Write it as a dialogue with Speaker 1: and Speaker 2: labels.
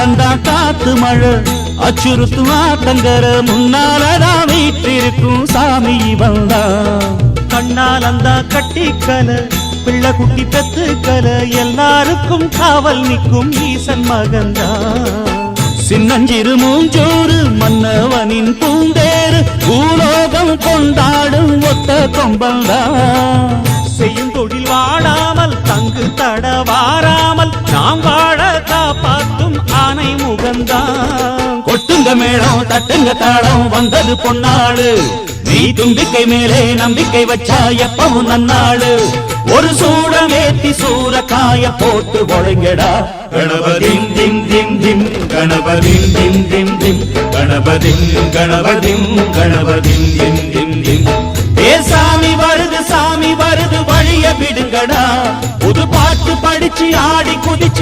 Speaker 1: கண்ணாலந்தான் காத்து மழை அச்சுறுத்தும் ஆத்தங்கர முன்னாலதான் வீற்றிருக்கும் சாமி வந்தான்.
Speaker 2: கண்ணாலந்தா கட்டிக்கல பிள்ளை குட்டி பெத்துக்கல எல்லாருக்கும் காவல் நிற்கும் ஈசன் மகன்தான்.
Speaker 1: சின்னஞ்சிறு மூஞ்சோறு மன்னவனின் பூந்தேறு பூலோகம் கொண்டாடும் ஒத்த கொம்பந்தான்.
Speaker 2: செய்யும் தொழில் வாடாமல் தங்கு தட வாராமல் நாம் வாழ காப்பாற்றும் ஆனை முகந்தான்.
Speaker 1: கொட்டுங்க மேளம் தட்டுங்க தாளம் வந்தது பொன்னாடு நீ தும்பிக்கை மேலே நம்பிக்கை வச்சா எப்பவும் நன்னாடு. ஒரு சூடமேத்தி சூரக்காய போட்டு ஒழுங்கடா கணபதிம் திம் திம் திம் கணபதிம் திம் திம் திம் கணபதிம் கணபதிம் கணபதிம் திம் திம் திம். ஏ சாமி வருது வழிய விடுங்கடா புது பாட்டு படிச்சு ஆடி குதிச்சு